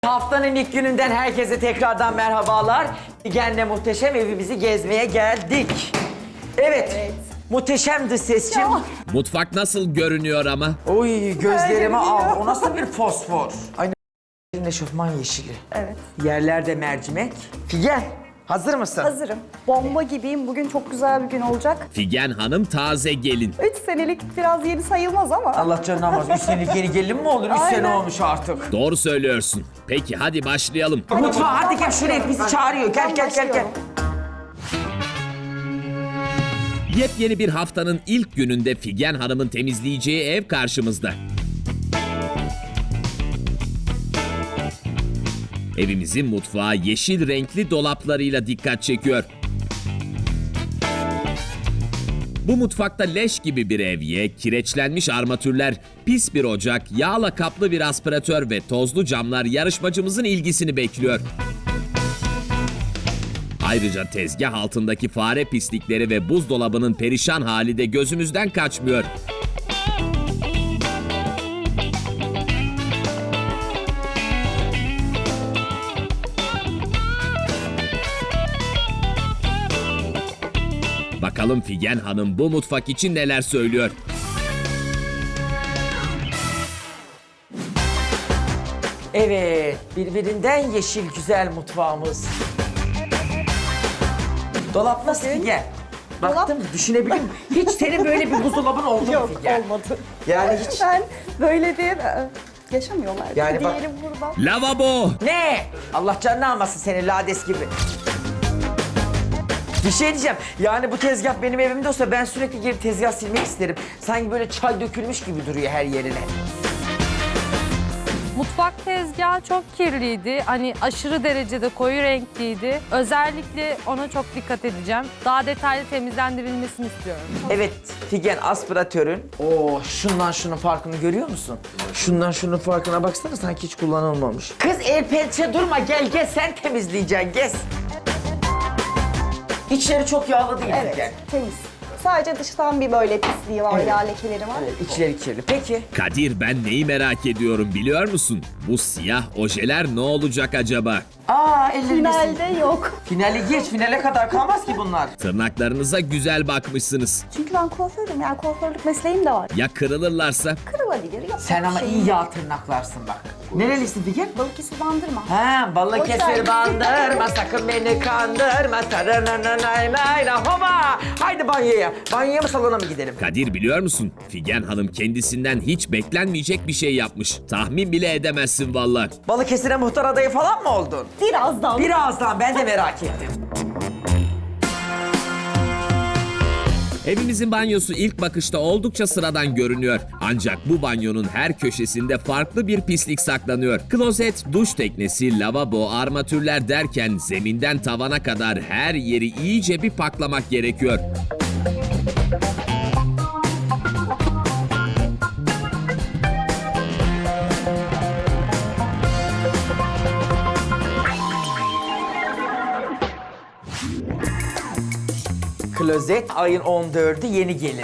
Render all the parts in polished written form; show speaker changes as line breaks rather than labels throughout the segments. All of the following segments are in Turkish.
Haftanın ilk gününden herkese tekrardan merhabalar. Figen'le muhteşem evimizi gezmeye geldik. Evet. Muhteşemdi sesçim.
Mutfak nasıl görünüyor ama?
Oy gözlerime al. O nasıl bir fosfor? Aynı eşofman yeşili.
Evet.
Yerlerde mercimek. Figen hazır mısın?
Hazırım. Bomba gibiyim. Bugün çok güzel bir gün olacak.
Figen Hanım taze gelin.
3 senelik biraz yeni sayılmaz ama.
Allah canını almaz. 3 senelik geri gelin mi olur? 3 sene
Aynen.
olmuş artık.
Doğru söylüyorsun. Peki hadi başlayalım.
Mutfağa hadi gel şuraya bizi çağırıyor. Gel gel gel gel.
Yepyeni bir haftanın ilk gününde Figen Hanım'ın temizleyeceği ev karşımızda. Evimizin mutfağı yeşil renkli dolaplarıyla dikkat çekiyor. Bu mutfakta leş gibi bir evye, kireçlenmiş armatürler, pis bir ocak, yağla kaplı bir aspiratör ve tozlu camlar yarışmacımızın ilgisini bekliyor. Ayrıca tezgah altındaki fare pislikleri ve buzdolabının perişan hali de gözümüzden kaçmıyor. Bakalım Figen Hanım bu mutfak için neler söylüyor?
Evet, birbirinden yeşil güzel mutfağımız. Dolap nasıl Figen? Baktım düşünebiliyor musun? Hiç senin böyle bir buzdolabın oldu mu
Yok,
Figen?
olmadı.
Yani hiç...
Ben böyle değil. Yaşamıyorlar.
Yani bak-
Diyelim burada.
Lavabo!
Ne? Allah canını almasın seni lades gibi. Bir şey diyeceğim. Yani bu tezgah benim evimde olsa ben sürekli gelip tezgah silmek isterim. Sanki böyle çay dökülmüş gibi duruyor her yerine.
Mutfak tezgahı çok kirliydi. Hani aşırı derecede koyu renkliydi. Özellikle ona çok dikkat edeceğim. Daha detaylı temizlendirilmesini istiyorum.
Evet, Figen aspiratörün. Oo, şundan şunun farkını görüyor musun? Şundan şunun farkına baksana sanki hiç kullanılmamış. Kız el pençe durma gel sen temizleyeceksin gez. İçleri çok yağlı değil
Evet,
Figen.
temiz. Sadece dıştan bir böyle pisliği var,
Evet.
yağ lekeleri var.
Evet, içleri kirli. Peki.
Kadir ben neyi merak ediyorum biliyor musun? Bu siyah ojeler ne olacak acaba?
Aa ellerinde
Finalde yok.
Finali geç, finale kadar kalmaz ki bunlar.
Tırnaklarınıza güzel bakmışsınız.
Çünkü ben kuaförüm, yani kuaförlük mesleğim de var.
Ya kırılırlarsa?
Kırılabilir, yapacak
Sen ama
bir şey
iyi
yok.
yağ tırnaklarsın bak. Nerelisin Figen?
Balıkesir bandırma.
Ha, Balıkesir
Otel.
bandırma, sakın beni kandırma. Tarananaylayla hoba. Haydi banyoya. Banyoya mı salona mı gidelim?
Kadir biliyor musun? Figen Hanım kendisinden hiç beklenmeyecek bir şey yapmış. Tahmin bile edemezsin valla.
Balıkesir'e muhtar adayı falan mı oldun?
Birazdan.
Birazdan ben de merak ettim.
Evimizin banyosu ilk bakışta oldukça sıradan görünüyor. Ancak bu banyonun her köşesinde farklı bir pislik saklanıyor. Klozet, duş teknesi, lavabo, armatürler derken zeminden tavana kadar her yeri iyice bir paklamak gerekiyor.
Klozet ayın 14'ü yeni gelin.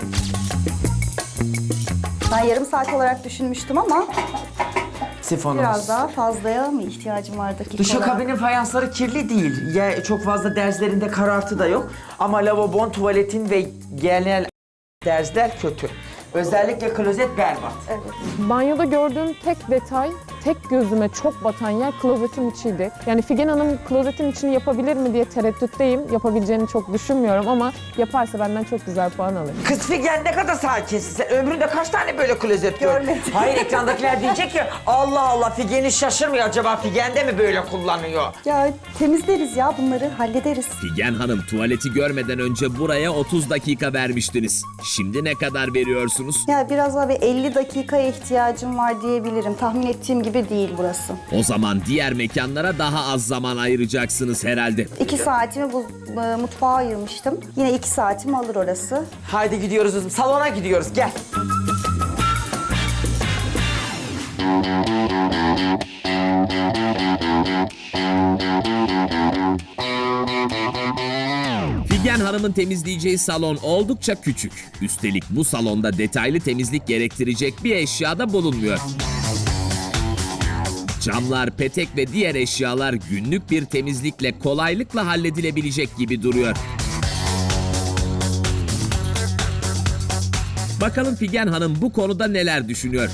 Ben yarım saat olarak düşünmüştüm ama
Sifonumuz.
biraz daha fazlaya mı ihtiyacım var dakika olarak?
Duşakabinin fayansları kirli değil. Ya çok fazla derzlerinde karartı da yok. Ama lavabon, tuvaletin ve genel derzler kötü. Özellikle klozet berbat.
Banyoda gördüğüm tek detay, tek gözüme çok batan yer klozetin içiydi. Yani Figen Hanım klozetin içini yapabilir mi diye tereddütteyim. Yapabileceğini çok düşünmüyorum ama yaparsa benden çok güzel puan alır.
Kız Figen ne kadar sakinsin sen. Ömründe kaç tane böyle klozet gördün?
Görmedim.
Hayır ekrandakiler diyecek ki Allah Allah Figen'i şaşırmıyor acaba Figen de mi böyle kullanıyor?
Ya temizleriz ya bunları, hallederiz.
Figen Hanım tuvaleti görmeden önce buraya 30 dakika vermiştiniz. Şimdi ne kadar veriyorsunuz?
Ya biraz daha bir 50 dakikaya ihtiyacım var diyebilirim. Tahmin ettiğim gibi değil burası.
O zaman diğer mekanlara daha az zaman ayıracaksınız herhalde.
2 saatimi bu mutfağa ayırmıştım. Yine 2 saatimi alır orası.
Haydi gidiyoruz kızım salona gidiyoruz gel.
Figen Hanım'ın temizleyeceği salon oldukça küçük. Üstelik bu salonda detaylı temizlik gerektirecek bir eşya da bulunmuyor. Camlar, petek ve diğer eşyalar günlük bir temizlikle kolaylıkla halledilebilecek gibi duruyor. Bakalım Figen Hanım bu konuda neler düşünüyor?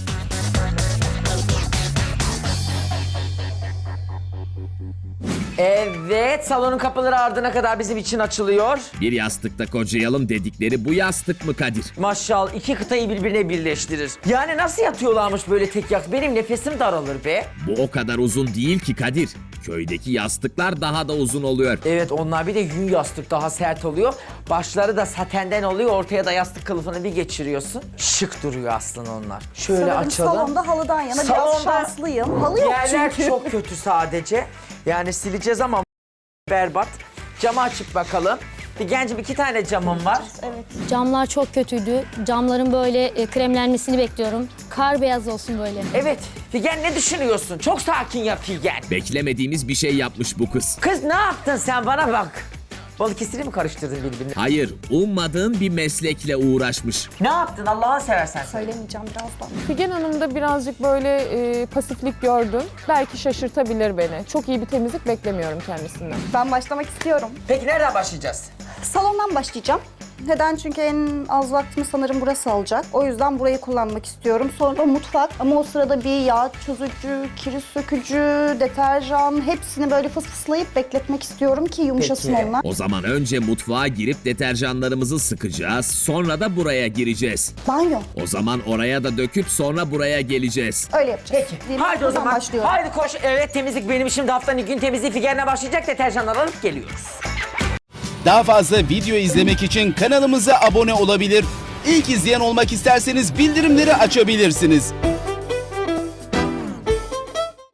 Evet, salonun kapıları ardına kadar bizim için açılıyor.
Bir yastıkta kocayalım dedikleri bu yastık mı Kadir?
Maşallah, iki kıtayı birbirine birleştirir. Yani nasıl yatıyorlarmış böyle tek yastık? Benim nefesim daralır be.
Bu o kadar uzun değil ki Kadir. Köydeki yastıklar daha da uzun oluyor.
Evet, onlar bir de yün yastık, daha sert oluyor. Başları da satenden oluyor, ortaya da yastık kılıfını bir geçiriyorsun. Şık duruyor aslında onlar. Şöyle
Sanırım
açalım.
salonda halıdan yana biraz
Salonda
şanslıyım. Halı yok
Yerler
çünkü.
çok kötü sadece. Yani sileceğiz ama berbat. Camı açıp bakalım. Figencim, 2 tane camım var.
Evet.
Camlar çok kötüydü. Camların böyle kremlenmesini bekliyorum. Kar beyaz olsun böyle.
Evet, Figen ne düşünüyorsun? Çok sakin ya Figen.
Beklemediğimiz bir şey yapmış bu kız.
Kız ne yaptın sen, bana bak. Balıkesir'i mi karıştırdın birbirine?
Hayır, ummadığın bir meslekle uğraşmış.
Ne yaptın Allah'ını seversen?
Söylemeyeceğim birazdan.
Figen Hanım'da birazcık böyle pasiflik gördüm. Belki şaşırtabilir beni. Çok iyi bir temizlik beklemiyorum kendisinden.
Ben başlamak istiyorum.
Peki nereden başlayacağız?
Salondan başlayacağım. Neden? Çünkü en az vaktimi sanırım burası alacak. O yüzden burayı kullanmak istiyorum. Sonra mutfak, ama o sırada bir yağ çözücü, kiri sökücü, deterjan hepsini böyle fısfıslayıp bekletmek istiyorum ki yumuşasın
Peki.
onlar.
O zaman önce mutfağa girip deterjanlarımızı sıkacağız. Sonra da buraya gireceğiz.
Banyo.
O zaman oraya da döküp sonra buraya geleceğiz.
Öyle yapacağız.
Peki.
Diyelim,
Haydi o
buradan
zaman.
başlıyorum.
Haydi koş. Evet, temizlik benim işim. Haftanın ilk gün temizliği Figen'le başlayacak. Deterjanlar alıp geliyoruz.
Daha fazla video izlemek için kanalımıza abone olabilir. İlk izleyen olmak isterseniz bildirimleri açabilirsiniz.